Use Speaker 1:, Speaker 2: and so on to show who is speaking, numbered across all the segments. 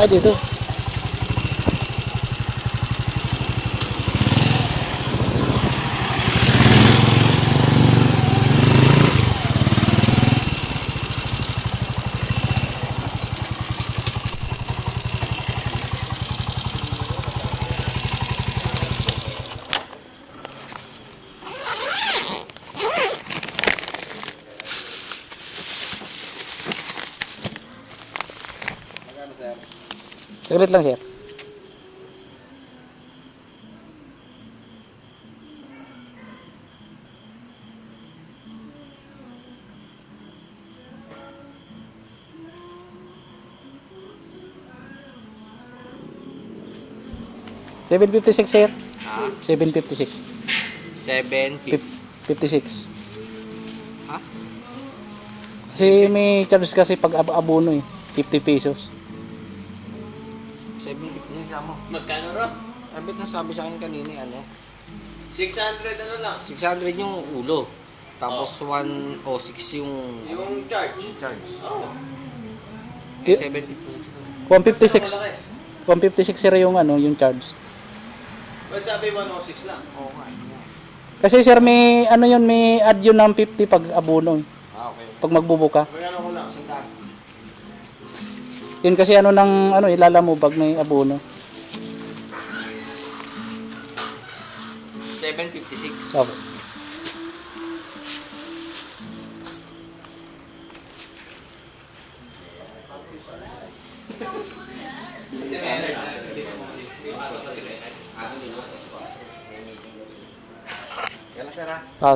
Speaker 1: dito. Saglit lang, sir. $756, sir.
Speaker 2: Ha?
Speaker 1: $756.
Speaker 2: 750.
Speaker 1: 56.
Speaker 2: Ha?
Speaker 1: Kasi may charge kasi pag abono eh. 50 pesos.
Speaker 2: 750 sa mo.
Speaker 3: Magkano ro?
Speaker 2: Abit na sabi sa akin kanina ano.
Speaker 3: 600 ano lang.
Speaker 2: 600 yung ulo. Tapos 106 yung
Speaker 3: Yung charge.
Speaker 2: charge.
Speaker 3: Oo.
Speaker 2: Eh, 756.
Speaker 1: 156.
Speaker 3: Malaki.
Speaker 1: 156 sir yung ano, yung charge.
Speaker 3: Well, sabi 106 lang.
Speaker 2: Oo nga.
Speaker 1: Kasi sir may ano yun, may add yun ng 50 pag abono eh.
Speaker 2: Ah, okay.
Speaker 1: Pag magbubuka.
Speaker 3: Magkano ko lang.
Speaker 2: Sinta.
Speaker 1: Yun kasi ano ng ano ilala mo pag may abono.
Speaker 2: 756.
Speaker 1: Okay.
Speaker 2: Kailan sir ha?
Speaker 1: Ah,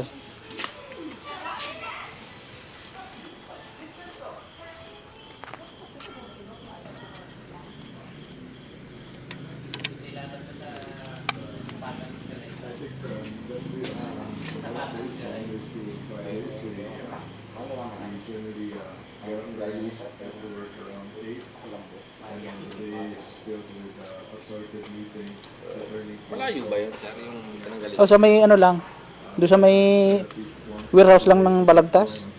Speaker 2: Malayo ba yun sir? Yung pinanggalit?
Speaker 1: oh, sa may ano lang. Doon sa may warehouse lang ng Balagtas.